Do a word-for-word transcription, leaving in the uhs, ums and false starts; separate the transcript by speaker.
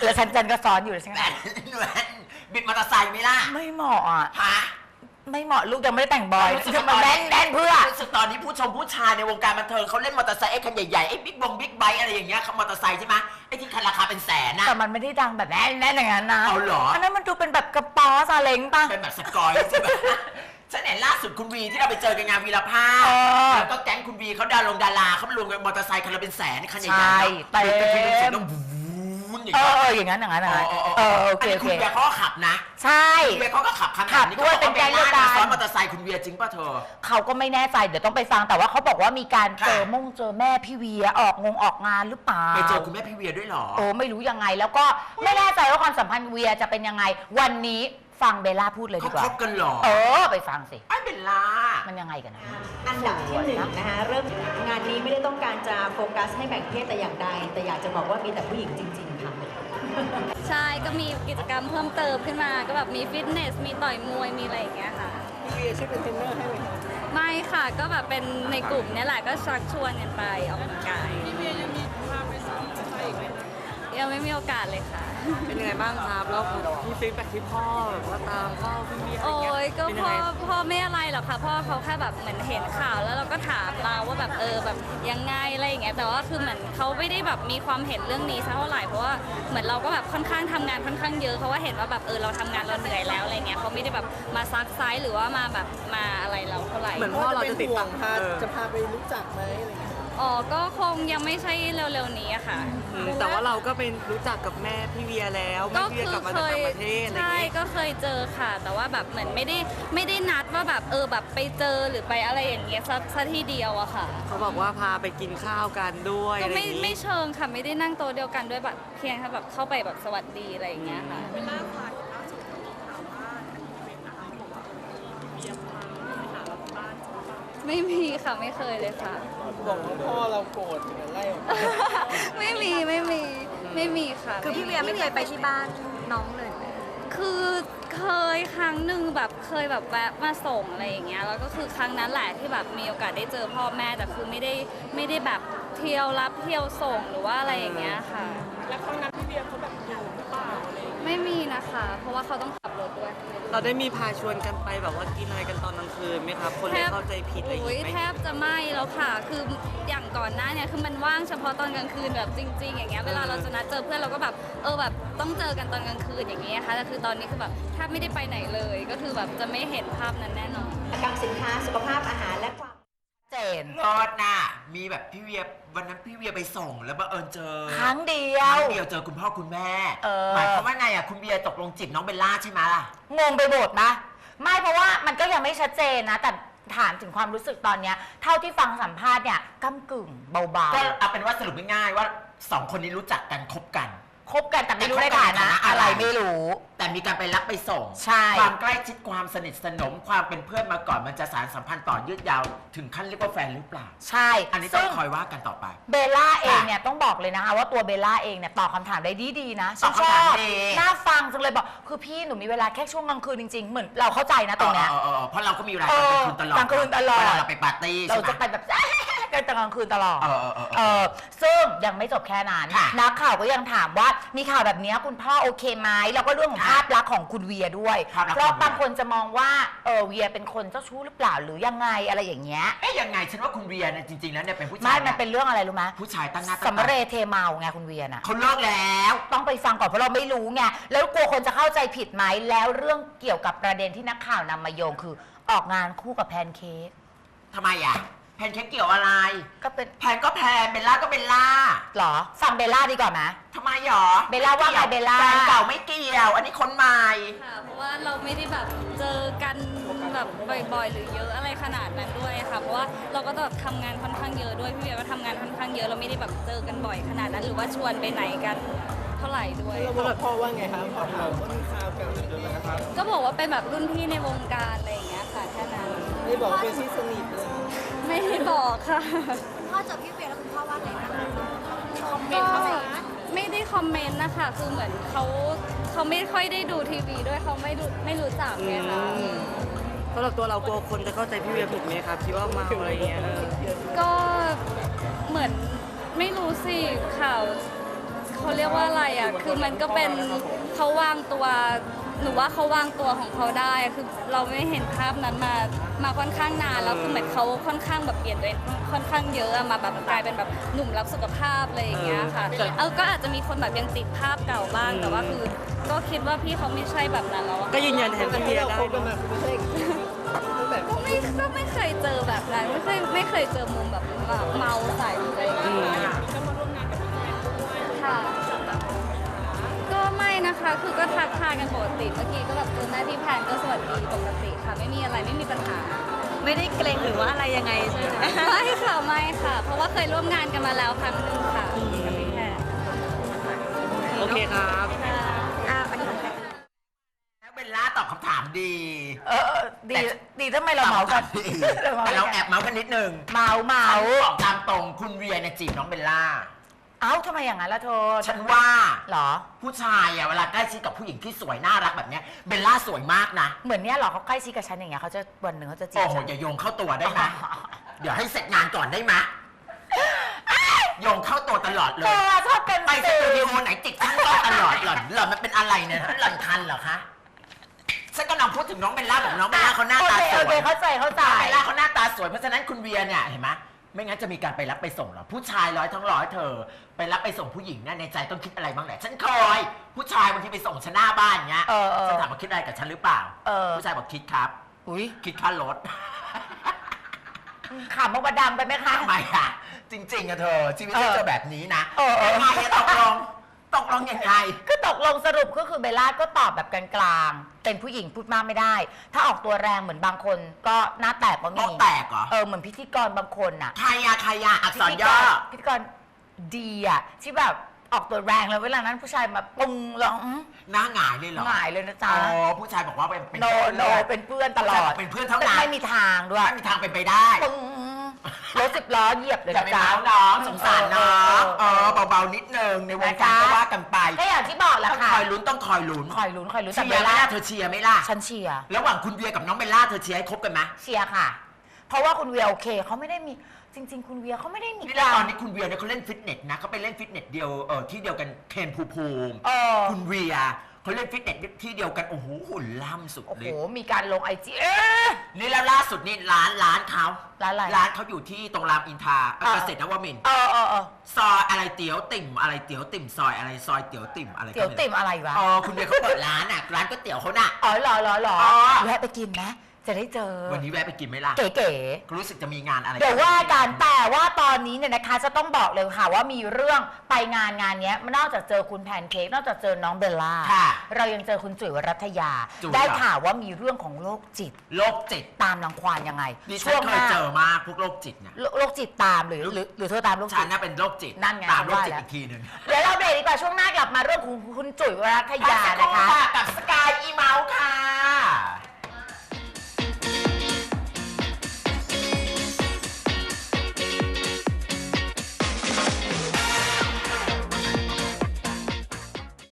Speaker 1: แล้วฉันจันก็ซ้อนอยู่ใช่ไหม
Speaker 2: หนูบิดมอเตอร์ไซค์ไหมล่ะ
Speaker 1: ไม่เหมาะอ่ะ
Speaker 2: ฮะ
Speaker 1: ไม่เหมาะลูกยังไม่ได้แต่งบอยจะมาแน่นแน่นเพื่อ
Speaker 2: รู้สึกตอนนี้ผู้ชมผู้ชายในวงการบันเทิงเขาเล่นมอเตอร์ไซค์ไอ้คันใหญ่ๆไอ้บิ๊กบงบิ๊กไบค์อะไรอย่างเงี้ยเขามอเตอร์ไซค์ใช่ไหมไอ้ที่คันราคาเป็นแสนนะ
Speaker 1: แต่มันไม่ได้ดังแบบแน่นแน่นอย่างนั้นนะ
Speaker 2: เอาเหรอ
Speaker 1: อันนั้นมันดูเป็นแบบกระป๋อซาเล้งป่ะ
Speaker 2: เป็นแบบสกอยใช่ไหมฉันเห็นล่าสุดคุณวีที่เราไปเจอกันงานวีรภาพแล้วก็แก๊งคุณวีเขาดารงดาราเขามารวมกันมอเตอร์ไซค์คันละเป็นแสนคันใหญ่ๆ
Speaker 1: เต็มเอออย่างนั้นอย่างนั้นอย่างนั้นเออโอเคโอเค
Speaker 2: คุณเวียเขาก็ขับนะ
Speaker 1: ใช่
Speaker 2: คุณเวียเขาก็ขับคัน
Speaker 1: ขับด้วยเป็นแก๊งเดียวกัน
Speaker 2: ซ้อนมอเตอร์ไซค์คุณเวียจริงป่ะเธอ
Speaker 1: เขาก็ไม่แน่ใจเดี๋ยวต้องไปฟังแต่ว่าเขาบอกว่ามีการเจอมงเจอแม่พี่เวียออกงงออกงานหรือเปล่า
Speaker 2: ไปเจอคุณแม่พี่เวียด้วยหรอ
Speaker 1: โอ้ไม่รู้ยังไงแล้วก็ไม่แน่ใจว่าความสัมพันธ์เวียจะเป็นยังไงวันนี้ฟังเบลล่าพูดเลยดีกว่า
Speaker 2: เขาคบกันหรอ
Speaker 1: เออไปฟังสิ
Speaker 2: ไอ้เบลล่า
Speaker 1: มันยังไงกันนะ
Speaker 3: อันดับที่หนึ่งนะคะเริ่มงานนี้ไม่ได้ต้องการจะโฟกัสให้แบ่งเพศแต่อย่างใดแต่อยากจะบอกว่ามีแต่ผู้หญิงจริงๆค่ะ
Speaker 4: ใช่ก็มีกิจกรรมเพิ่มเติมขึ้นมาก็แบบมีฟิตเนสมีต่อยมวยมีอะไรอย่างเงี้ยค่ะ
Speaker 5: พี่เวียช่วยเป็นเทรนเนอร์ให้ไหมคะ
Speaker 4: ไม่ค่ะก็แบบเป็นในกลุ่มนี้แหละก็ชักชวนกันไปออกกำลังกาย
Speaker 5: พี่เวียยังมีพาไปซ้อมอะไรอีกไหม
Speaker 4: ยังไม่มีโอกาสเลยค่ะ
Speaker 5: เป็นยังไงบ้างครับแล้วมีฟีดแบ็กที่พ่อแบบว่าตามพ่อพี่เวีย
Speaker 4: โอ้ยก็พ่อพ่อไม่อะไรหรอกค่ะพ่อเขาแค่แบบเหมือนเห็นข่าวแล้วเราก็ถามเราว่าแบบเออแบบยังไงอะไรอย่างเงี้ยแต่ว่าคือเหมือนเขาไม่ได้แบบมีความเห็นเรื่องนี้เท่าไหร่เพราะว่าเหมือนเราก็แบบค่อนข้างทำงานค่อนข้างเยอะเขาว่าเห็นว่าแบบเออเราทำงานเราเหนื่อยแล้วอะไรเงี้ยเขาไม่ได้แบบมาซักไซส์หรือว่ามาแบบมาอะไรเราเท่าไหร่
Speaker 5: เหมือนพ่อเราจะติดต่อจะพาไปรู้จักไหมอะไรเงี้ย
Speaker 4: อ๋อก็คงยังไม่ใช่เร็วๆนี้อะค่ะ
Speaker 5: แต่ว่าเราก็เป็นรู้จักกับแม่พี่เวียแล้วแม่พี่เวียกลับมาจากต่างประเทศอะไรเงี้ยใช่
Speaker 4: ก็เคยเจอค่ะแต่ว่าแบบเหมือนไม่ได้ไม่ได้นัดว่าแบบเออแบบไปเจอหรือไปอะไรอย่างเงี้ยสักสักทีเดียวอะค่ะ
Speaker 5: เขาบอกว่าพาไปกินข้าวกันด้วย
Speaker 4: ก็ไม่ไม่เชิงค่ะไม่ได้นั่งโต๊ะเดียวกันด้วยแบบเพียงแค่แบบเข้าไปแบบสวัสดีอะไรอย่างเงี้ยค่ะเวลาผ่านล่าสุดถามว่าเป็นอาหารของเบียร์มาหาเราบ้านไม่มีค่ะไม่เคยเลยค่ะ
Speaker 5: บอกว่าพ่อเราโกรธถึงไล่
Speaker 4: ไม่มีไม่มีไม่มีค่ะ
Speaker 3: คือพี่เวียไม่เคยไปที่บ้านน้องเลย
Speaker 4: คือเคยครั้งหนึ่งแบบเคยแบบแวะมาส่งอะไรอย่างเงี้ยแล้วก็คือครั้งนั้นแหละที่แบบมีโอกาสได้เจอพ่อแม่แต่คือไม่ได้ไม่ได้แบบเที่ยวรับเที่ยวส่งหรือว่าอะไรอย่างเงี้ยค่ะ
Speaker 5: แล้วครั้งนั้นพี่เวียเขาแบบอยู่หรือเปล่าอะไร
Speaker 4: ไม่มีนะคะเพราะว่าเขาต้องขับรถด้วย
Speaker 5: เราได้มีพาชวนกันไปแบบว่ากินอะไรกันตอนกลางคืนไหมครับคนเลยเข้าใจผิดอะไรอย่างเงี้ย
Speaker 4: แทบจะไม่แล้วค่ะคืออย่างก่อนหน้าเนี่ยคือมันว่างเฉพาะตอนกลางคืนแบบจริงๆอย่างเงี้ยเวลาเราจะนัดเจอเพื่อนเราก็แบบเออแบบต้องเจอกันตอนกลางคืนอย่างเงี้ยค่ะแต่คือตอนนี้คือแบบแทบไม่ได้ไปไหนเลยก็คือแบบจะไม่เห็นภาพนั้นแน่นอน
Speaker 3: กับสินค้าสุขภาพอาหารและความ
Speaker 1: เจน
Speaker 2: รอดน่ะมีแบบพี่เวียวันนั้นพี่เวียไปส่งแล้วบังเอิญเจอ
Speaker 1: ครั้งเดีย
Speaker 2: วครั้งเดียวเจอคุณพ่อคุณแม่หมายความว่าไงอ่ะคุณเวียตกลงจีบน้องเบลล่าใช่ไหมล่ะ
Speaker 1: งงไปหมดนะไม่เพราะว่ามันก็ยังไม่ชัดเจนนะแต่ถามถึงความรู้สึกตอนเนี้ยเท่าที่ฟังสัมภาษณ์เนี่ยก้ำกึ่งเบาๆ
Speaker 2: ก็เอาเป็นว่าสรุปง่ายๆว่าสองคนนี้รู้จักกันคบกัน
Speaker 1: คบกันแต่ไม่รู้ในฐานะอะไรไม่รู้
Speaker 2: แต่มีการไปรับไปส่ง
Speaker 1: ใช่
Speaker 2: ความใกล้ชิดความสนิทสนมความเป็นเพื่อนมาก่อนมันจะสานสัมพันธ์ต่อยืดยาวถึงขั้นเรียกว่าแฟนหรือเปล่า
Speaker 1: ใช่
Speaker 2: อันนี้ต้องคอยว่ากันต่อไป
Speaker 1: เบลล่าเองเนี่ยต้องบอกเลยนะคะว่าตัวเบลล่าเองเนี่ยตอบคำถามได้ดีๆนะ
Speaker 2: ตอบคำถามดี
Speaker 1: น่าฟังจังเลยบอกคือพี่หนูมีเวลาแค่ช่วงกลางคืนจริงๆเหมือนเราเข้าใจนะตรงเนี้ย
Speaker 2: เพราะเราก็มีเวลากลางคืนตลอด
Speaker 1: กลางคืนตลอด
Speaker 2: เวลาเราไปปาร์ตี้
Speaker 1: เราจะไปแบบกันกลางคืนตลอด
Speaker 2: เออเออเออ
Speaker 1: ซึ่งยังไม่จบแค่นั้นนักข่าวก็ยังถามว่ามีข่าวแบบนี้คุณพ่อโอเคไหมแล้วก็เรื่องของภาพลักษณ์ของคุณเวียด้วยเพราะบางคนจะมองว่าเออเวียเป็นคนเจ้าชู้หรือเปล่าหรือยังไงอะไรอย่างเงี้ย
Speaker 2: เอ๊ยยังไงฉันว่าคุณเวียเนี่ยจริงๆแล้วเนี่ยเป็นผู้ชาย
Speaker 1: ไม่มันเป็นเรื่องอะไรรู้ไหม
Speaker 2: ผู้ชายตั้งหน้าตั้ง
Speaker 1: ตาสำเร็จเทเมาไงคุณเวียน่ะ
Speaker 2: เขาเลิกแล้ว
Speaker 1: ต้องไปฟังก่อนเพราะเราไม่รู้ไงแล้วกลัวคนจะเข้าใจผิดไหมแล้วเรื่องเกี่ยวกับประเด็นที่นักข่าวนำมาโยงคือออกงานคู่กับแพนเค้ก
Speaker 2: ทำไมอ่ะแพนเค้กเกี่ยวอะไร
Speaker 1: ก็เป็น
Speaker 2: แพนก็แพนเบลล่าก็เบลล่า
Speaker 1: หรอฟังเบลล่าดีกว่าไหม
Speaker 2: ทำไมหรอ
Speaker 1: เบลล่าว่าไงเบลล่า
Speaker 2: แฟนเก่าไม่เกี่ยวอันนี้คนใหม่
Speaker 4: ค่ะเพราะว่าเราไม่ได้แบบเจอกันแบบบ่อยๆหรือเยอะอะไรขนาดนั้นด้วยค่ะเพราะว่าเราก็แบบทำงานค่อนข้างเยอะด้วยพี่เบียร์ก็ทำงานค่อนข้างเยอะเราไม่ได้แบบเจอกันบ่อยขนาดนั้นหรือว่าชวนไปไหนกันเท่าไหร่ด้วย
Speaker 5: แล้วบอกพ่อว่าไงครับพ่อถามว่ามีข่าวกัน
Speaker 4: ก็บอกว่าเป็นแบบรุ่นพี่ในวงการอะไรอย่างเงี้ยค่ะแค่นั้น
Speaker 5: ไม่บอกเป็นที่สนิทเลย
Speaker 4: ไม่ได้บอกค่ะ
Speaker 3: พ่อเจอพี่เวียแล้วคุณพ่อว่าไงคะ
Speaker 4: คอมเมนต์เข้ามาไม่ได้คอมเมนต์นะคะคือเหมือนเขาเขาไม่ค่อยได้ดูทีวีด้วยเขาไม่ดูไม่รู้จักไงคะ
Speaker 5: สำหรับตัวเรากลัวคนจะเข้าใจพี่เวียผิดไหมครับคิดว่าเมาอะไรเงี้ย
Speaker 4: ก็เหมือนไม่รู้สิข่าวเขาเรียกว่าอะไรอ่ะคือมันก็เป็นเขาวางตัวหนูว่าเขาวางตัวของเขาได้คือเราไม่เห็นภาพนั้นมามาค่อนข้างนานแล้วคือเหมือนเขาค่อนข้างแบบเปลี่ยนตัวเองค่อนข้างเยอะอะมาแบบกลายเป็นแบบหนุ่มรักสุขภาพอะไรอย่างเงี้ยค่ะเออก็อาจจะมีคนแบบยังติดภาพเก่าบ้างแต่ว่าคือก็คิดว่าพี่เขาไม่ใช่แบบนั้นแล้วอะ
Speaker 5: ก็ยืนยันแทนพี่เวียได้เนอะ
Speaker 4: ก็ไม่ก็ไม่เคยเจอแบบนั้นไม่เคยไม่เคยเจอมุมแบบแบบเมาใส่อะไรอย่างเงี้ยค่ะก็ไม่นะคะคือก็ทักทายกันปกติเมื่อกี้ก็แบบเจอหน้าที่แพนก็สวัสดีปกติค่ะไม่มีอะไรไม่มีปัญหา
Speaker 3: ไม่ได้เกรงหรือว่าอะไรยังไงใช่ไหม
Speaker 4: ไม่ค่ะไม่ค่ะ เพราะว่าเคยร่วมงานกันมาแล้วครั้งหนึ่งค่ะกับพี่แพน
Speaker 5: โอเคครับ
Speaker 4: ค่ะ
Speaker 3: อ่ะอันนี้
Speaker 2: เบลล่าตอบคำถามดี
Speaker 1: เออเออดีดีทำไมเราเมากัน
Speaker 2: ดีแต่เราแอบเมาส์กันนิดนึง
Speaker 1: เมาเมา
Speaker 2: บอกตามตรงคุณเวียเนี่ยจีบน้องเบลล่า
Speaker 1: เอ้าทำไมอย่างนั้นล่ะเธอ
Speaker 2: ฉันว่า
Speaker 1: เหรอ
Speaker 2: ผู้ชายอะเวลาใกล้ชิดกับผู้หญิงที่สวยน่ารักแบบเนี้ยเบลล่าสวยมากนะ
Speaker 1: เหมือนเนี้ยเหรอเขาใกล้ชิดกับฉันอย่างเงี้ยเขาจะวันหนึ่งเขาจะจี
Speaker 2: โอ้
Speaker 1: บ
Speaker 2: โห
Speaker 1: ฉัน
Speaker 2: อย่าโยงเข้าตัวได้ไหมเดี๋ยวให้เสร็จงานก่อนได้ไหมโยงเข้าตัวตลอดเล
Speaker 1: เธ
Speaker 2: ย
Speaker 1: อชอบเป็น
Speaker 2: ไปส
Speaker 1: สื่
Speaker 2: ตู
Speaker 1: อ
Speaker 2: ดิโอไหนจิกฉันก็ตลอดหล่อนหล่อนมันเป็นอะไรเนี่ยหล่อนคันเหรอคะฉันกำลังพูดถึงน้องเบลล่าบอกน้องเบลล่าเขาหน้าตาส
Speaker 1: โอ
Speaker 2: วย
Speaker 1: เคเข้าใจเข้าใจ
Speaker 2: น้องเบลล่าเขาหน้าตาสวยเพราะฉะนั้นคุณเวียเนี่ยเห็นไหมไม่งั้นจะมีการไปรับไปส่งหรอผู้ชายร้อยทั้งร้อยเธอ ไปรับไปส่งผู้หญิงเนี่ยในใจต้องคิดอะไรบ้างแหละฉันเคยผู้ชายบางทีไปส่งฉันหน้าบ้านเงี้ย
Speaker 1: เออเออ
Speaker 2: ฉันถามว่าคิดอะไรกับฉันหรือเปล่า
Speaker 1: เออ
Speaker 2: ผู้ชายบอกคิดครับ
Speaker 1: อุ้ย
Speaker 2: คิดค่ารถ
Speaker 1: ขำมาดังไปไหมคะ
Speaker 2: ทำไมอะจริงๆอะเธอชีวิต
Speaker 1: เออ
Speaker 2: เธอแบบนี้นะ
Speaker 1: เออเออ
Speaker 2: ยังไงอะตกลงตกลงยังไง
Speaker 1: ก็ตกลงสรุปก็คือเบลล่าก็ตอบแบบกลางๆ เป็นผู้หญิงพูดมากไม่ได้ ถ้าออกตัวแรงเหมือนบางคนก็หน้าแตกก็มี
Speaker 2: โต๊ะแตกเหรอ
Speaker 1: เออเหมือนพิธีกรบางคนน่ะ
Speaker 2: ใครอะใครอะอักษรย่อ
Speaker 1: พิธีกรดีอ่ะที่แบบออกตัวแรงแล้วเวลานั้นผู้ชายมาปุ้งร้อง
Speaker 2: หน้าหงายเลยเหรอ
Speaker 1: หงายเลยนะจ๊ะ
Speaker 2: อ๋อผู้ชายบอกว่าเป็นเป็น
Speaker 1: โนโนเป็นเพื่อนตลอด
Speaker 2: เป็นเพื่อนเท่านั้น
Speaker 1: ไม่มีทางด้วย
Speaker 2: ไม่มีทางเป็นไปได้
Speaker 1: ปึ้งรถสิบล้อเหยียบเลย
Speaker 2: อย่า
Speaker 1: นะ
Speaker 2: ไป
Speaker 1: จ๊ะ
Speaker 2: เมาส์น้องสงสารน้อง
Speaker 1: เอ
Speaker 2: เอ
Speaker 1: อ
Speaker 2: อเบาๆนิดนึงในวงการก็ว่ากันไป
Speaker 1: ก็อย่างที่บอกแหละ
Speaker 2: ต้อง
Speaker 1: ค่ะ
Speaker 2: คอยลุ้นต้องคอยลุ้น
Speaker 1: คอยลุ้นคอยลุ้นแต่
Speaker 2: เชี
Speaker 1: เบ
Speaker 2: ยร์
Speaker 1: ล
Speaker 2: ไหม
Speaker 1: ล่า
Speaker 2: ล่ะเธอเชียร์ไหมล่ะ
Speaker 1: ฉันเชียร์
Speaker 2: ระหว่างคุณเวียกับน้องเบลล่าเธอเชียร์ให้คบกันไหม
Speaker 1: เชียร์ค่ะ เพราะว่าคุณเวียโอเคเขาไม่ได้มีจริง ๆ คุณเวียเขาไม่ได้มี
Speaker 2: นี่แล้วตอนนี้คุณเวียเนี่ยเขาเล่นฟิตเนสนะเขาไปเล่นฟิตเนสเดียวเออที่เดียวกันเคนภูมิภูมิ
Speaker 1: เออ
Speaker 2: คุณเวียเขาเล่นฟิตเนสที่เดียวกันโอ้โหหุ่นล่ำสุด
Speaker 1: โอ้โห
Speaker 2: เลย
Speaker 1: มีการลงไอจีเอ๊ะ
Speaker 2: นี่แล้วล่าสุดนี่ร้านร้านเขา
Speaker 1: ร้านอะไร
Speaker 2: ร้านเขาอยู่ที่ตรงรามอินทราเออ
Speaker 1: เออ
Speaker 2: เกษตรนวมินทร์
Speaker 1: เออเออเออ
Speaker 2: ซอยอะไรเตี๋ยวติ่มอะไรเตี๋ยวติ่มซอยอะไรซอยเตี๋ยวติ่มอะไรก็
Speaker 1: เตี๋ยวติ่มอะไรวะ
Speaker 2: อ๋อคุณเวียเขาเปิดร้านอ่ะร้านก๋วยเตี๋ยวเขาน่ะ
Speaker 1: อ๋อเหรอเหรอเหรอ
Speaker 2: อ๋อ
Speaker 1: แวะไปกินไหมจะได้เจอ
Speaker 2: วันนี้แวะไปกินไหมล่ะ
Speaker 1: เก๋
Speaker 2: รู้สึกจะมีงานอะไร
Speaker 1: ๆเดี๋ยวว่ากันแต่ว่าตอนนี้เนี่ยนะคะจะต้องบอกเลยค่ะว่ามีเรื่องไปงานงานเนี้ยนอกจากเจอคุณแพนเค้กนอกจากเจอน้องเบลล่า
Speaker 2: ค่ะ
Speaker 1: เรายังเจอคุณจุ๋ยวรัตยา
Speaker 2: จุ๋ย
Speaker 1: ได้
Speaker 2: เหรอ
Speaker 1: ข่าวว่ามีเรื่องของโรคจิต
Speaker 2: โรคจิต
Speaker 1: ตามรังควานยังไง
Speaker 2: ดิฉั
Speaker 1: ช่
Speaker 2: น
Speaker 1: วง
Speaker 2: เค
Speaker 1: ห
Speaker 2: ย
Speaker 1: น้า
Speaker 2: เจอมากพวกโรคจิตเนี่ย
Speaker 1: โรคจิตตามหรือหรือหรือเธอตามโรค
Speaker 2: ฉั
Speaker 1: จิ
Speaker 2: น
Speaker 1: ต
Speaker 2: น่ะเป็นโรคจิต
Speaker 1: นั่นไง
Speaker 2: ตามโรคจิต
Speaker 1: ว่าแล้ว
Speaker 2: อีกทีหนึ่ง
Speaker 1: เดี๋ยวเราเบรกดีกว่าช่วงหน้ากลับมาเรื่องของคุณจุ๋ยวรัตยา
Speaker 2: พักสักค
Speaker 1: นะ
Speaker 2: รู่
Speaker 1: คะ
Speaker 2: ค่ะกับสกายอีเมาส์ค่ะ